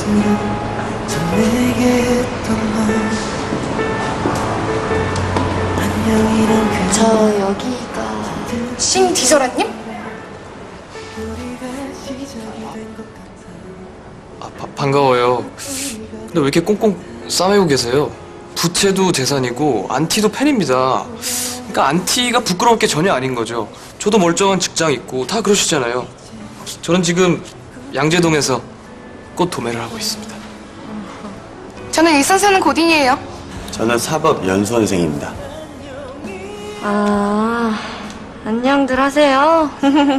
저 여기가 신디저라님? 반가워요. 근데 왜 이렇게 꽁꽁 싸매고 계세요? 부채도 재산이고 안티도 팬입니다. 그러니까 안티가 부끄러울 게 전혀 아닌 거죠. 저도 멀쩡한 직장 있고 다 그러시잖아요. 저는 지금 양재동에서 꽃 도매를 하고 있습니다. 저는 일산 사는 고딩이에요. 저는 사법연수원생입니다. 아, 안녕들 하세요.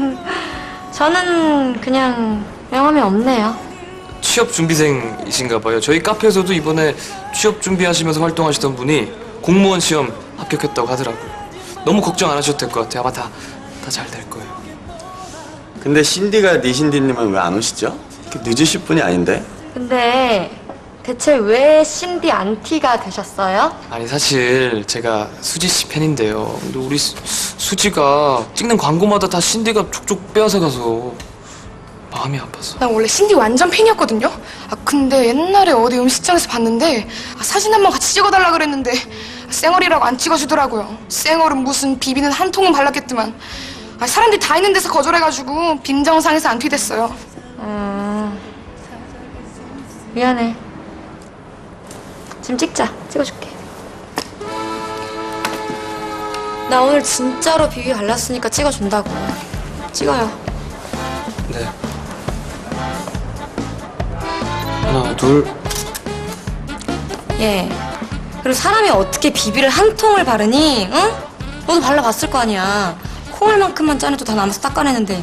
저는 그냥 명함이 없네요. 취업 준비생이신가 봐요. 저희 카페에서도 이번에 취업 준비하시면서 활동하시던 분이 공무원 시험 합격했다고 하더라고요. 너무 걱정 안 하셔도 될 것 같아요. 아마 다 잘 될 거예요. 근데 신디가 니신디님은 왜 안 오시죠? 이렇게 늦으실 분이 아닌데? 근데 대체 왜 신디 안티가 되셨어요? 아니 사실 제가 수지 씨 팬인데요. 근데 우리 수지가 찍는 광고마다 다 신디가 족족 빼앗아 가서 마음이 아파서. 난 원래 신디 완전 팬이었거든요. 근데 옛날에 어디 음식점에서 봤는데 사진 한 번 같이 찍어달라 그랬는데 쌩얼이라고 안 찍어주더라고요. 쌩얼은 무슨 비비는 한 통은 발랐겠지만 사람들이 다 있는 데서 거절해가지고 빈정상에서 안티됐어요. 미안해. 지금 찍어줄게. 나 오늘 진짜로 비비 발랐으니까 찍어준다고. 찍어요. 네. 하나, 둘. 예. 그리고 사람이 어떻게 비비를 한 통을 바르니? 응? 너도 발라봤을 거 아니야. 콩알만큼만 짜내도 다 남아서 닦아내는데.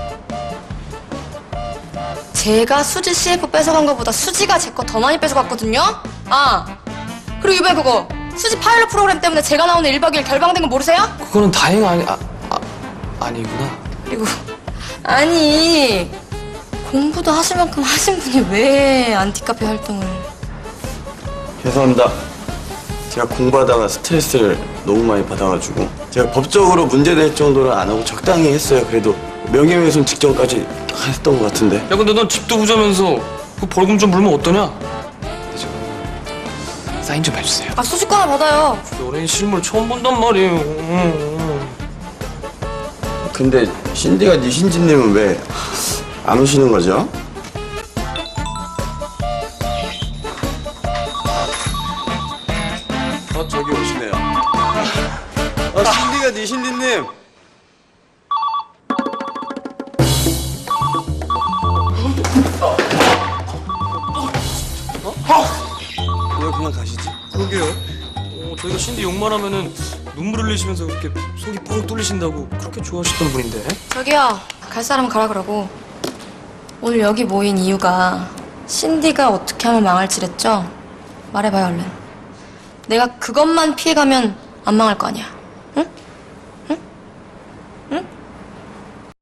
제가 수지 CF 뺏어간 거보다 수지가 제 거 더 많이 뺏어갔거든요? 그리고 이번에 그거 수지 파일럿 프로그램 때문에 제가 나오는 1박 2일 결방된 거 모르세요? 그거는 다행 아니구나. 그리고 아니 공부도 하실 만큼 하신 분이 왜 안티카페 활동을. 죄송합니다. 제가 공부하다가 스트레스를 너무 많이 받아가지고 제가 법적으로 문제될 정도로 안 하고 적당히 했어요. 그래도 명예훼손 직전까지 했던 것 같은데. 야 근데 넌 집도 부자면서 그 벌금 좀 물면 어떠냐? 네, 저 사인 좀 해주세요. 수지 거 하나 받아요. 연예인 실물 처음 본단 말이에요. 근데 신디가 니신디님은 왜 안 오시는 거죠? 저기 오시네요. 신디가 니신디님. 왜 그냥 가시지? 그러게요. 저희가 신디 욕만 하면은 눈물 흘리시면서 그렇게 속이 뻥 뚫리신다고 그렇게 좋아하셨던 분인데. 저기요, 갈 사람은 가라 그러고. 오늘 여기 모인 이유가 신디가 어떻게 하면 망할지랬죠? 말해봐요 얼른. 내가 그것만 피해가면 안 망할 거 아니야.